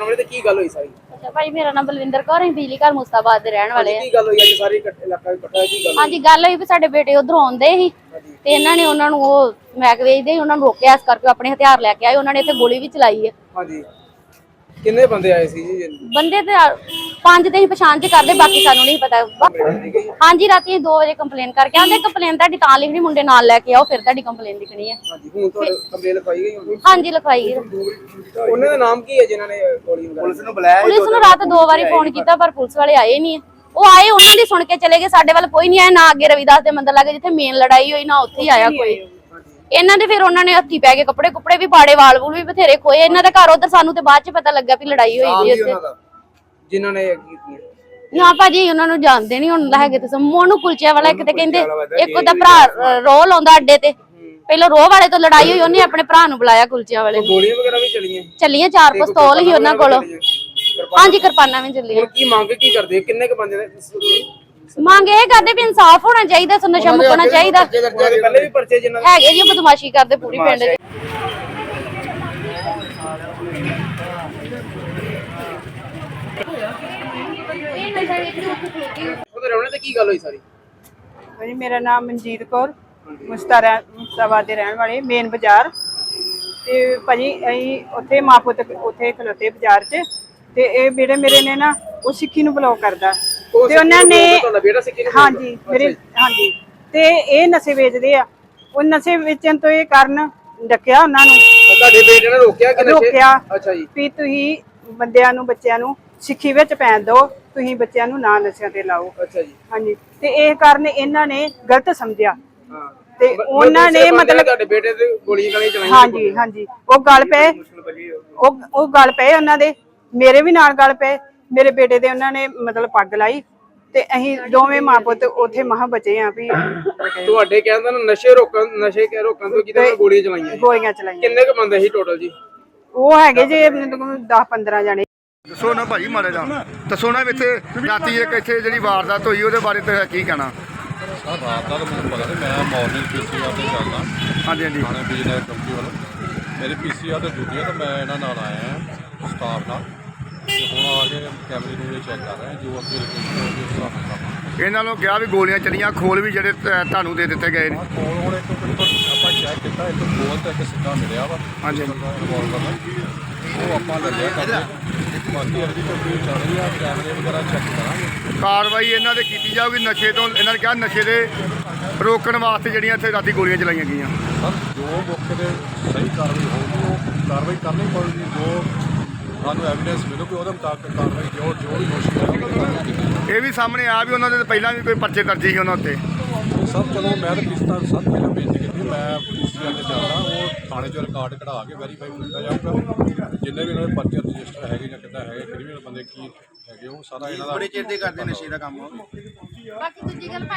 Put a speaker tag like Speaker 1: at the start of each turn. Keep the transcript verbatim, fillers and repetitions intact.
Speaker 1: ਰਵਣੇ ਤੇ ਕੀ ਗੱਲ ਹੋਈ ਸਾਰੀ?
Speaker 2: ਅੱਛਾ ਭਾਈ, ਮੇਰਾ ਨਾਮ ਬਲਵਿੰਦਰ ਕੌਰ ਹੈ, ਬਿਜਲੀ ਘਰ ਮੁਸਤਾਬਾਦ ਦੇ ਰਹਿਣ ਵਾਲੇ ਆ।
Speaker 1: ਕੀ ਗੱਲ ਹੋਈ ਅੱਜ ਸਾਰੇ ਇਲਾਕਾ ਇਕੱਠਾ ਕੀ ਗੱਲ?
Speaker 2: ਹਾਂਜੀ, ਗੱਲ ਹੋਈ ਵੀ ਸਾਡੇ ਬੇਟੇ ਉਧਰੋਂ ਆਉਂਦੇ ਸੀ ਤੇ ਇਹਨਾਂ ਨੇ ਉਹਨਾਂ ਨੂੰ ਉਹ ਮੈਗ ਵੇਚਦੇ ਉਹਨਾਂ ਨੂੰ ਰੋਕਿਆ, ਇਸ ਕਰਕੇ ਆਪਣੇ ਹਥਿਆਰ ਲੈ ਕੇ ਆਏ। ਉਹਨਾਂ ਨੇ ਇੱਥੇ ਗੋਲੀ ਵੀ ਚਲਾਈ ਹੈ।
Speaker 1: ਹਾਂਜੀ, ਕਿੰਨੇ ਬੰਦੇ ਆਏ ਸੀ ਜੀ?
Speaker 2: ਬੰਦੇ ਤੇ ਪੰਜ ਤੇ ਹੀ ਪਛਾਣ ਚ ਕਰਦੇ, ਬਾਕੀ ਸਾਨੂੰ ਨਹੀਂ ਪਤਾ। ਹਾਂਜੀ, ਰਾਤੀ ਦੋ ਵਜੇ ਕੰਪਲੇਨ ਕਰਕੇ ਆਂਦੇ। ਕੰਪਲੇਨ ਤੁਹਾਡੀ ਤਾਂ ਲਿਖਣੀ, ਮੁੰਡੇ ਨਾਲ ਲੈ ਕੇ ਆਓ, ਫਿਰ ਤੁਹਾਡੀ ਕੰਪਲੇਨ ਲਿਖਣੀ ਹੈ।
Speaker 1: ਹਾਂਜੀ, ਹੁਣ ਤੁਹਾਡੇ ਕੰਪਲੇਨ ਲਿਖਾਈ ਗਈ?
Speaker 2: ਹਾਂਜੀ, ਲਿਖਵਾਈ ਗਈ।
Speaker 1: ਉਹਨਾਂ ਦਾ ਨਾਮ ਕੀ ਹੈ ਜਿਨ੍ਹਾਂ ਨੇ ਗੋਲੀ ਮਾਰੀ? ਪੁਲਿਸ ਨੂੰ ਬੁਲਾਇਆ?
Speaker 2: ਪੁਲਿਸ ਨੂੰ ਰਾਤ ਦੋ ਵਾਰੀ ਫੋਨ ਕੀਤਾ ਪਰ ਪੁਲਿਸ ਵਾਲੇ ਆਏ ਨਹੀਂ। ਉਹ ਆਏ, ਉਹਨਾਂ ਦੀ ਸੁਣ ਕੇ ਚਲੇ ਗਏ, ਸਾਡੇ ਵੱਲ ਕੋਈ ਨਹੀਂ ਆਇਆ। ਨਾ ਅੱਗੇ ਰਵਿਦਾਸ ਦੇ ਮੰਦਰ ਲੱਗੇ ਜਿੱਥੇ ਮੇਨ ਲੜਾਈ ਹੋਈ, ਨਾ ਉੱਥੇ ਹੀ ਆਇਆ ਕੋਈ। ਇਹਨਾਂ ਦੇ ਫਿਰ ਉਹਨਾਂ ਨੇ ਹੱਥੀ ਪੈ ਕੇ ਕੱਪੜੇ ਕੁੱਪੜੇ ਵੀ ਪਾੜੇ, ਵਾਲ ਵੂਲ ਵੀ ਬਥੇਰੇ ਖੋਏ ਇਹਨਾਂ ਦੇ ਘਰ। ਉਧਰ ਸਾਨੂੰ ਤੇ ਬਾਅਦ ਚ ਪਤਾ ਲੱਗਾ ਵੀ ਲੜਾਈ ਹੋਈ ਸੀ ਉੱਥੇ।
Speaker 1: ਜਿਨ੍ਹਾਂ ਨੇ ਕੀਤੀ
Speaker 2: ਨਾ ਭਾਜੀ, ਉਹਨਾਂ ਨੂੰ ਜਾਣਦੇ ਨਹੀਂ ਹੁਣ ਹੈਗੇ ਤੁਸੀਂ। ਮੋਨੂ ਕੁਲਚੇ ਵਾਲਾ ਇੱਕ ਤੇ ਕਹਿੰਦੇ, ਇੱਕ ਉਹਦਾ ਭਰਾ ਰੋਹ ਲਾਉਂਦਾ ਅੱਡੇ ਤੇ। ਪਹਿਲਾਂ ਰੋਹ ਵਾਲੇ ਤੋਂ ਲੜਾਈ ਹੋਈ, ਉਹਨੇ ਆਪਣੇ ਭਰਾ ਨੂੰ ਬੁਲਾਇਆ ਕੁਲਚਿਆਂ ਵਾਲੇ।
Speaker 1: ਗੋਲੀਆਂ ਵਗੈਰਾ ਵੀ ਚੱਲੀਆਂ?
Speaker 2: ਚੱਲੀਆਂ, ਚਾਰ ਪਿਸਤੌਲ ਹੀ ਉਹਨਾਂ ਕੋਲ। ਹਾਂਜੀ, ਕਿਰਪਾਨਾਂ ਵੀ ਚੱਲੀਆਂ।
Speaker 1: ਕੀ ਮੰਗ ਕੀ ਕਰਦੇ? ਕਿੰਨੇ ਕ ਬੰਦੇ ਨੇ
Speaker 2: ਮੰਗ ਇਹ ਕਰਦੇ ਵੀ ਇਨਸਾਫ ਹੋਣਾ ਚਾਹੀਦਾ, ਨਸ਼ਾ ਮੁਕਣਾ ਚਾਹੀਦਾ।
Speaker 1: ਪਹਿਲੇ ਵੀ ਪਰਚੇ ਜਿਨ੍ਹਾਂ ਦੇ
Speaker 2: ਹੈਗੇ ਜੀ, ਬਦਮਾਸ਼ੀ ਕਰਦੇ ਪੂਰੀ ਪਿੰਡ ਦੇ।
Speaker 1: ਉਹਦੇ ਰਵਣੇ ਤੇ ਕੀ ਗੱਲ ਹੋਈ ਸਾਰੀ?
Speaker 3: ਭਾਜੀ, ਮੇਰਾ ਨਾਮ ਮਨਜੀਤ ਕੌਰ, ਮੁਸਤਾਰਾ ਮੁਸਤਾਬਾਦ ਦੇ ਰਹਿਣ ਵਾਲੇ, ਮੇਨ ਬਾਜ਼ਾਰ। ਤੇ ਭਾਜੀ ਅਸੀਂ ਉੱਥੇ ਮਾਂ ਪੁੱਤ ਉੱਥੇ ਖਲੋਤੇ ਬਾਜ਼ਾਰ 'ਚ, ਤੇ ਇਹ ਬੇੜੇ ਮੇਰੇ ਨੇ ਨਾ ਉਹ ਸਿੱਖੀ ਨੂੰ ਬਲੌਕ ਕਰਦਾ ਤੇ ਉਹਨਾਂ ਨੇ। ਹਾਂਜੀ ਮੇਰੇ, ਹਾਂਜੀ। ਤੇ ਇਹ ਨਸ਼ੇ ਵੇਚਦੇ ਆ, ਉਹ ਨਸ਼ੇ ਵੇਚਣ ਤੋਂ ਇਹ ਕਾਰਨ ਡੱਕਿਆ ਉਹਨਾਂ ਨੂੰ।
Speaker 1: ਤੁਹਾਡੇ ਬੇਟੇ ਨੇ ਰੋਕਿਆ ਕਿ ਨਸ਼ੇ?
Speaker 3: ਰੋਕਿਆ।
Speaker 1: ਅੱਛਾ ਜੀ।
Speaker 3: ਵੀ ਤੁਸੀਂ ਬੰਦਿਆਂ ਨੂੰ, ਬੱਚਿਆਂ ਨੂੰ ਸਿੱਖੀ ਵਿੱਚ ਪੈਣ ਦਿਓ, ਤੁਸੀਂ ਬੱਚਿਆਂ ਨੂੰ ਨਾ ਨਸ਼ਿਆਂ ਤੇ ਲਾਓ।
Speaker 1: ਅੱਛਾ ਜੀ।
Speaker 3: ਹਾਂਜੀ, ਤੇ ਇਹ ਕਾਰਨ ਇਹਨਾਂ ਨੇ ਗਲਤ ਸਮਝਿਆ
Speaker 1: ਹਾਂ,
Speaker 3: ਤੇ ਉਹਨਾਂ ਨੇ ਮਤਲਬ
Speaker 1: ਤੁਹਾਡੇ ਬੇਟੇ ਤੇ ਗੋਲੀਆਂ ਗਾਲੀਆਂ ਚਲਾਈਆਂ?
Speaker 3: ਹਾਂਜੀ ਹਾਂਜੀ, ਉਹ ਗੱਲ ਪਏ, ਉਹ ਉਹ ਗੱਲ ਪਏ ਉਹਨਾਂ ਦੇ, ਮੇਰੇ ਵੀ ਨਾਲ ਗੱਲ ਪਏ। ਮੇਰੇ ਬੇਟੇ ਦੇ ਉਹਨਾਂ ਨੇ ਮਤਲਬ ਪੱਗ ਲਾਈ ਤੇ ਅਸੀਂ ਦੋਵੇਂ ਮਾਂ ਪੁੱਤ ਉੱਥੇ ਮਹਾ ਬਚੇ ਆ। ਵੀ
Speaker 1: ਤੁਹਾਡੇ ਕਹਿੰਦੇ ਨੇ ਨਸ਼ੇ ਰੋਕਣ, ਨਸ਼ੇ ਕੇ ਰੋਕਣ ਤੋਂ ਕਿਤੇ ਗੋਲੀਆਂ ਚਲਾਈਆਂ?
Speaker 3: ਗੋਲੀਆਂ ਚਲਾਈਆਂ।
Speaker 1: ਕਿੰਨੇ ਕ ਬੰਦੇ ਸੀ ਟੋਟਲ ਜੀ?
Speaker 3: ਉਹ ਹੈਗੇ ਜੇ ਦਸ ਪੰਦਰਾਂ ਜਣੇ।
Speaker 4: ਦੱਸੋ ਨਾ ਭਾਜੀ ਮਾੜੇ ਦਾ, ਦੱਸੋ ਨਾ ਇੱਥੇ ਰਾਤੀ ਇੱਕ ਇੱਥੇ ਜਿਹੜੀ ਵਾਰਦਾਤ ਹੋਈ ਉਹਦੇ ਬਾਰੇ ਤੇ ਕੀ ਕਹਿਣਾ?
Speaker 5: ਸਰ ਰਾਤ ਦਾ ਤਾਂ ਮੈਨੂੰ ਪਤਾ ਨਹੀਂ, ਮੈਂ ਮਾਰਨਿੰਗ ਪੀਸੀਆਰ ਤੇ ਚੱਲਦਾ।
Speaker 4: ਹਾਂਜੀ ਹਾਂਜੀ।
Speaker 5: ਥਾਣੇ ਬਿਜਨਸ ਕੰਪਨੀ ਵੱਲੋਂ ਮੇਰੀ ਪੀਸੀਆਰ ਤੇ ਡਿਊਟੀ ਆ, ਤਾਂ ਮੈਂ ਇਹਨਾਂ ਨਾਲ ਆਇਆ ਹਾਂ ਸਟਾਫ ਨਾਲ। ਤੇ ਹੁਣ ਆ ਕੇ ਕੈਮਰੇ ਨੂੰ ਚੈੱਕ ਕਰ ਰਹੇ ਜੋ ਅੱਗੇ ਲੋਕੇਸ਼ਨ ਹੋਊਗੀ ਉਸ ਹਿਸਾਬ ਨਾਲ।
Speaker 4: ਇਹਨਾਂ ਨੂੰ ਕਿਹਾ ਵੀ ਗੋਲੀਆਂ ਚੱਲੀਆਂ, ਖੋਲ ਵੀ ਜਿਹੜੇ ਤੁਹਾਨੂੰ ਦੇ ਦਿੱਤੇ ਗਏ ਨੇ?
Speaker 5: ਕੋਲ ਹੁਣ ਇੱਕ ਆਪਾਂ ਚੈੱਕ ਕੀਤਾ, ਇੱਕ ਗੋਲ ਤੇ ਇੱਕ ਸਿੱਧਾ ਮਿਲਿਆ ਵਾ।
Speaker 4: ਹਾਂਜੀ
Speaker 5: ਰਿਵਾਲਵਰ ਉਹ ਆਪਾਂ ਲੱਗਿਆ ਕਰਦੇ। ਬਾਕੀ ਅਗਲੀ ਕੰਪਨੀ ਚੱਲ ਰਹੀ ਆ, ਕੈਮਰੇ ਵਗੈਰਾ ਚੈੱਕ ਕਰਾਂਗੇ।
Speaker 4: ਕਾਰਵਾਈ ਇਹਨਾਂ ਦੇ ਕੀਤੀ ਜਾਊਗੀ ਨਸ਼ੇ ਤੋਂ। ਇਹਨਾਂ ਨੇ ਕਿਹਾ ਨਸ਼ੇ ਦੇ ਰੋਕਣ ਵਾਸਤੇ ਜਿਹੜੀਆਂ ਇੱਥੇ ਰਾਤੀ ਗੋਲੀਆਂ ਚਲਾਈਆਂ ਗਈਆਂ।
Speaker 5: ਸਰ ਜੋ ਮੌਕੇ ਤੇ ਸਹੀ ਕਾਰਵਾਈ ਹੋਊਗੀ ਉਹ ਕਾਰਵਾਈ ਕਰਨੀ ਪਊਗੀ। ਜੋ ਸਾਨੂੰ ਐਵੀਡੈਂਸ ਮਿਲੂਗੀ ਉਹਦੇ ਮੁਤਾਬਕ ਕਾਰਵਾਈ ਜੋ ਜੋ ਵੀ ਦੋਸ਼ੀ ਹੈ।
Speaker 4: ਇਹ ਵੀ ਸਾਹਮਣੇ ਆ ਵੀ ਉਹਨਾਂ ਦੇ ਪਹਿਲਾਂ ਵੀ ਕੋਈ ਪਰਚੇ ਦਰਜ ਸੀ ਉਹਨਾਂ ਉੱਤੇ?
Speaker 5: ਸਰ ਚਲੋ ਮੈਂ ਤਾਂ ਕਿਸ ਤਰ੍ਹਾਂ ਸਭ ਪਹਿਲਾਂ ਬੇਨਤੀ ਕੀਤੀ, ਮੈਂ ਪੀਸੀਆਰ ਤੇ ਚੱਲਦਾ, ਉਹ ਥਾਣੇ 'ਚ ਰਿਕਾਰਡ ਕਢਾ ਕੇ ਵੈਰੀਫਾਈ ਕੀਤਾ ਜਾਊਗਾ। ਜਿੰਨੇ ਵੀ ਉਹਨਾਂ ਦੇ ਪਰਚੇ ਰਜਿਸਟਰ ਹੈਗੇ ਜਾਂ ਕਿੱਦਾਂ ਹੈਗੇ, ਕ੍ਰਿਮੀਨਲ ਬੰਦੇ ਕੀ ਹੈਗੇ, ਉਹ ਸਾਰਾ ਇਹਨਾਂ ਦਾ।
Speaker 6: ਬੜੇ ਚਿਰ ਦੇ ਕਰਦੇ ਨਸ਼ੇ ਦਾ ਕੰਮ।
Speaker 2: ਬਾਕੀ ਦੂਜੀ ਗੱਲ